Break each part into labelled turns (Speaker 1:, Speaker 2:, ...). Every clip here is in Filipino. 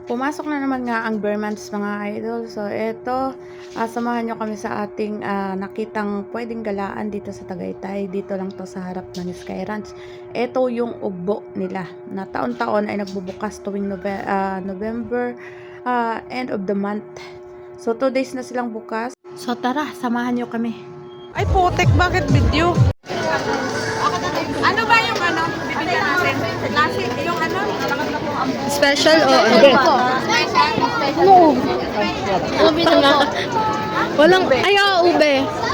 Speaker 1: Pumasok na naman nga ang bare months mga idol. So, eto, samahan nyo kami sa ating nakitang pwedeng galaan dito sa Tagaytay. Dito lang to sa harap ng Sky Ranch. Eto yung ugbo nila na taon-taon ay nagbubukas tuwing November, end of the month. So, 2 days na silang bukas. So, tara, samahan nyo kami.
Speaker 2: Ay, putek, bakit video?
Speaker 3: Ano ba yung bibigyan natin? Klase, yung
Speaker 4: Special o ano? Ano? Ube na nga. Walang, ube.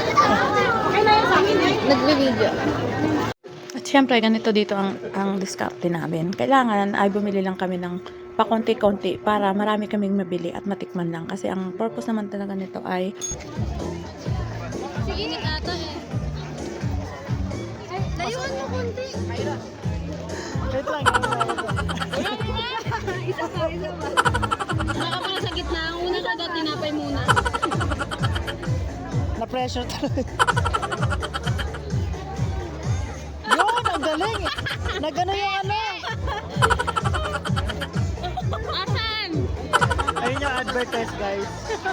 Speaker 4: Nagbe-video.
Speaker 1: At syempre, ganito dito ang discount namin. Kailangan ay bumili lang kami ng pakonti-konti para marami kaming mabili at matikman lang. Kasi ang purpose naman talaga nito ay
Speaker 4: Init ata eh. Layuan mo konti.
Speaker 2: Wait lang.
Speaker 4: Isa pa. Baka pala sa gitna. Ang una ka daw, tinapay muna.
Speaker 2: Na-pressure talaga. Yun, ang galing. Nagano yung ano.
Speaker 4: Asan?
Speaker 2: Ayun yung advertise, guys.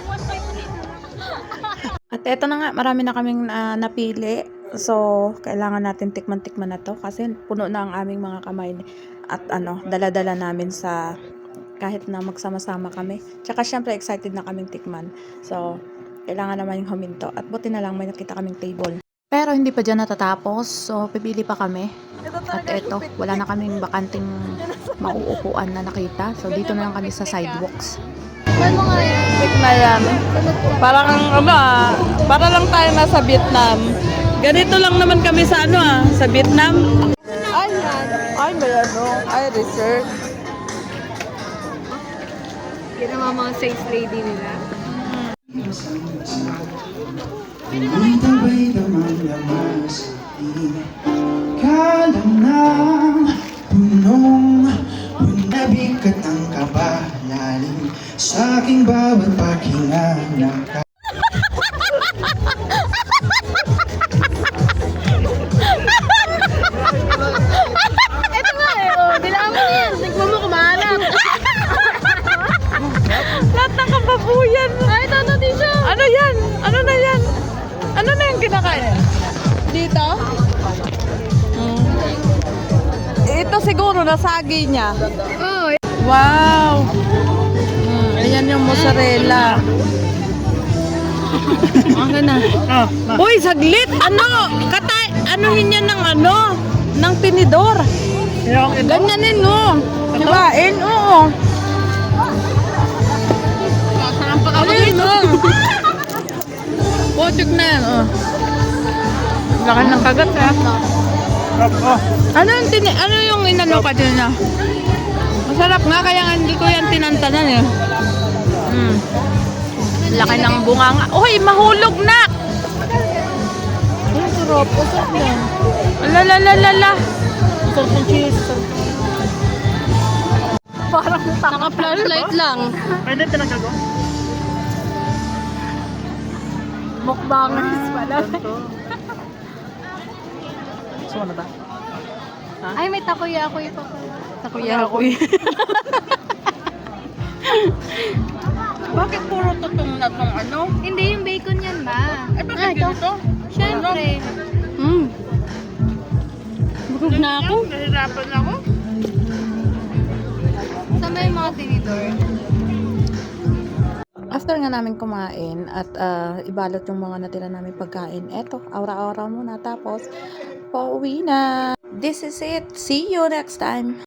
Speaker 1: At eto na nga, marami na kaming napili. So, kailangan natin tikman-tikman na to kasi puno na ang aming mga kamay at dala-dala namin sa kahit na magsama-sama kami. Tsaka syempre excited na kaming tikman. So, kailangan naman yung huminto at buti na lang may nakita kaming table. Pero hindi pa dyan natatapos. So, pipili pa kami. At eto, wala na kaming bakanting mauupuan na nakita. So, dito na lang kami sa sidewalks.
Speaker 4: Ano nga yan?
Speaker 2: Na yan. Parang para lang tayo nasa Vietnam. Ganito lang naman kami sa sa Vietnam. Ay, may ay, research.
Speaker 4: Yan ang mga sales lady nila.
Speaker 5: Tuloy-tuloy naman naman sa kalam ng bunabigat ang kabalalim sa aking bawat paghinga ng
Speaker 4: Ito nga eh, oh. Dilaan mo yan. Tignan mo kumalat.
Speaker 2: Lahat ng kababuyan.
Speaker 4: Ay, tata din siya.
Speaker 2: Ano yan? Ano na yan? Ano na yung kinakain? Dito? Ito siguro nasagi niya.
Speaker 4: Oh,
Speaker 2: Wow! Ayan yung mozzarella.
Speaker 4: okay na.
Speaker 2: Uy, saglit! Anuhin niya ng tinidor. Ganyanin, no? Hiwain, oo.
Speaker 4: Sarang pa ako
Speaker 2: Ayun, no? Potik na yan, oh. Laki ng kagat, ha? Ano yung inano ka din na? Masarap nga, kaya nga hindi ko yan tinantanan, eh. Laki ng bunga nga. Uy, mahulog na! Ang sarap. Masarap yan. Alalalala. Masarap ng cheese.
Speaker 4: Parang naka-flashlight lang.
Speaker 2: Pwede talaga go?
Speaker 4: Mukbangers pala.
Speaker 2: So, ano ba?
Speaker 4: Ay, may takoyaki pa pala.
Speaker 2: Takoyaki. Bakit puro tutong na tong ano?
Speaker 4: Hindi, yung bacon yan ba?
Speaker 2: Ay, bakit ganito?
Speaker 4: Siyempre. Bugog na ako.
Speaker 2: Nahirapan ako.
Speaker 4: Saan ba yung mga tinidor?
Speaker 1: After nga namin kumain at ibalot yung mga natira namin pagkain, eto, aura-aura muna tapos pauwi na. This is it. See you next time.